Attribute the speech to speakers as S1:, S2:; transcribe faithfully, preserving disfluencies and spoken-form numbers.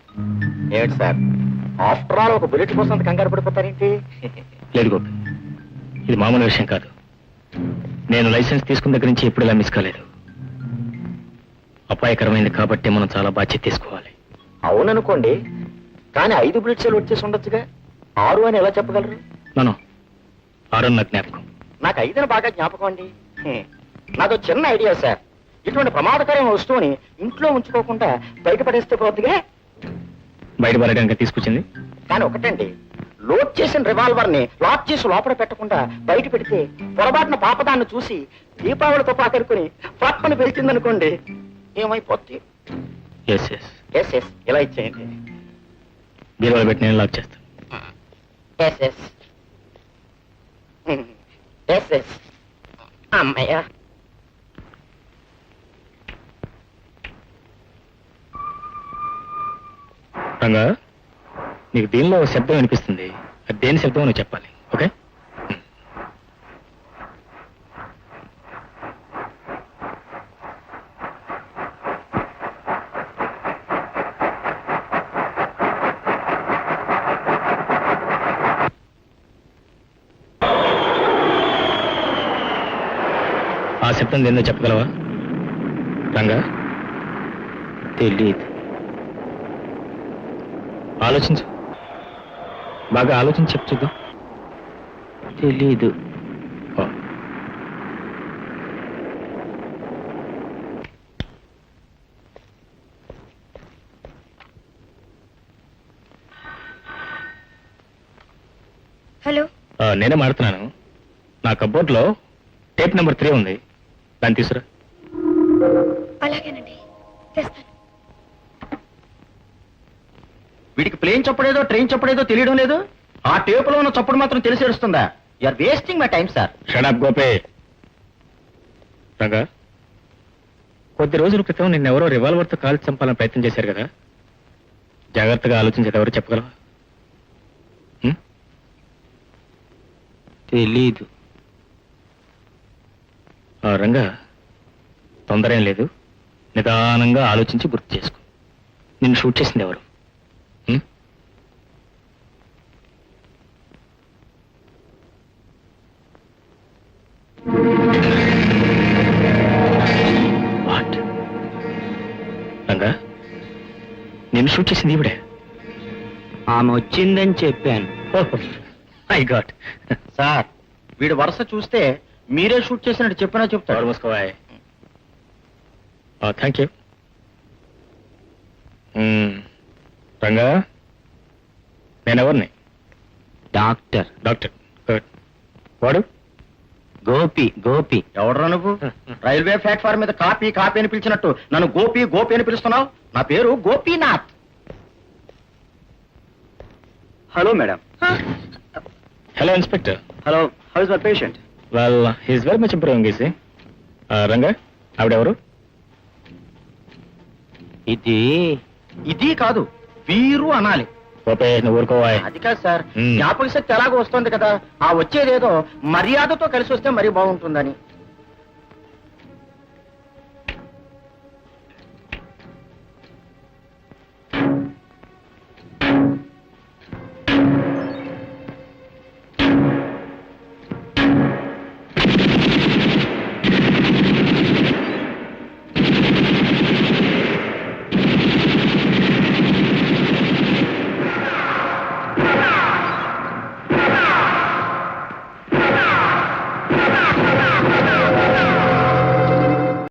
S1: ఏమిటి sir, after all ఒక bullet కోసం అంత కంగారు పడిపోతారేంటి?
S2: లేదు గోపి, ఇది మామూలు విషయం కాదు. నేను లైసెన్స్ తీసుకున్న దగ్గర నుంచి ఎప్పుడు ఇలా మిస్ కాలేదు. అపాయకరమైంది కాబట్టి మనం చాలా బాధ్యత తీసుకోవాలి.
S1: అవుననుకోండి, కానీ ఐదు బుల్లెట్స్ వచ్చేసి ఉండొచ్చుగా. ఆరు అని ఎలా చెప్పగలరు?
S2: నన్ను ఆరు నా జ్ఞాపకం.
S1: నాకు ఐదుని బాగా జ్ఞాపకం అండి. హ్మ్. నాదో చిన్న ఐడియా సార్. ఇటువంటి ప్రమాదకరమైన వస్తువుని ఇంట్లో ఉంచుకోకుండా బయటపడేస్తే పోతుందిగా.
S2: బయటపడడానికి తీసుకొచ్చింది
S1: కానీ ఒకటండి, లోడ్ చేసిన రివాల్వర్ ని లాక్ చేసి లోపల పెట్టకుండా బయట పెడితే పొరపాటున పాపదాన్ని చూసి దీపావళితో పాకరుకుని పక్కన పెరిచిందనుకోండి, ఏమైపోద్ది?
S2: ఎస్ ఎస్
S1: ఎస్ ఎస్ ఇలా ఇచ్చేయండి.
S2: బీరువాలో పెట్టి నేను లాక్ చేస్తాను.
S1: ఎస్ ఎస్ ఎస్ ఎస్ అమ్మయ్యా.
S2: రంగా, నీకు దీనిలో శబ్దం వినిపిస్తుంది. అది దేని శబ్దం నువ్వు చెప్పాలి, ఓకే? ఆ శబ్దం ఏందో చెప్పగలవా రంగా? తెలీదు. ఆలోచించు, బాగా ఆలోచించి చెప్పు చూద్దాం. తెలీదు.
S3: హలో,
S2: నేనే మాడుతున్నాను. నా కబోర్డ్లో టేప్ నెంబర్ త్రీ ఉంది, దాన్ని తీసురా.
S3: అలాగేనండి, తెస్తాను.
S1: వీడికి ప్లేన్ చప్పుడేదో ట్రైన్ చప్పుడేదో తెలియడం లేదు. ఆ టేపులో ఉన్న చప్పుడు మాత్రం తెలిసి ఏడుస్తుందా? You're wasting my time sir.
S2: Shut up గోపే. రంగా, కొద్ది రోజుల క్రితం నిన్నెవరో రివాల్వర్తో కాల్చి చంపాలని ప్రయత్నం చేశారు కదా. జాగ్రత్తగా ఆలోచించేది ఎవరు చెప్పగలవా? తెలీదు. రంగా, తొందర ఏం లేదు, నిదానంగా ఆలోచించి గుర్తు చేసుకో. నిన్ను షూట్ చేసింది ఎవరు? వాట్? రంగా, నిన్ను షూట్ చేసింది ఇవిడే?
S1: ఆమె వచ్చిందని చెప్పాను.
S2: I got.
S1: సార్, వీడు వరుస చూస్తే మీరే షూట్ చేసినట్టు చెప్పినా చెప్తారు.
S2: మూసుకోవాయ్. Thank you. రంగా, నేనెవరిని?
S1: డాక్టర్.
S2: డాక్టర్. గుడ్. వాడు?
S1: గోపి. గోపి ఎవడరా నువ్వు? రైల్వే ప్లాట్ఫామ్ మీద కాపీ కాపీ అని పిలిచినట్టు నన్ను గోపి గోపి అని పిలుస్తున్నావు. నా పేరు Gopinath. Hello madam.
S2: Hello inspector.
S1: Hello, how is my patient?
S2: Well, he's very much improving easy. Ranga, ఆవిడెవరు?
S1: ఇది ఇది కాదు, వీరు అనాలి.
S2: ఓపే, నువ్వు ఊరుకోవాయ్.
S1: అది కాదు సార్,
S2: మ్మ్.
S1: జ్ఞాపక శక్తి ఎలాగో వస్తుంది కదా, ఆ వచ్చేదేదో మర్యాదతో కలిసి వస్తే మరీ బాగుంటుందని.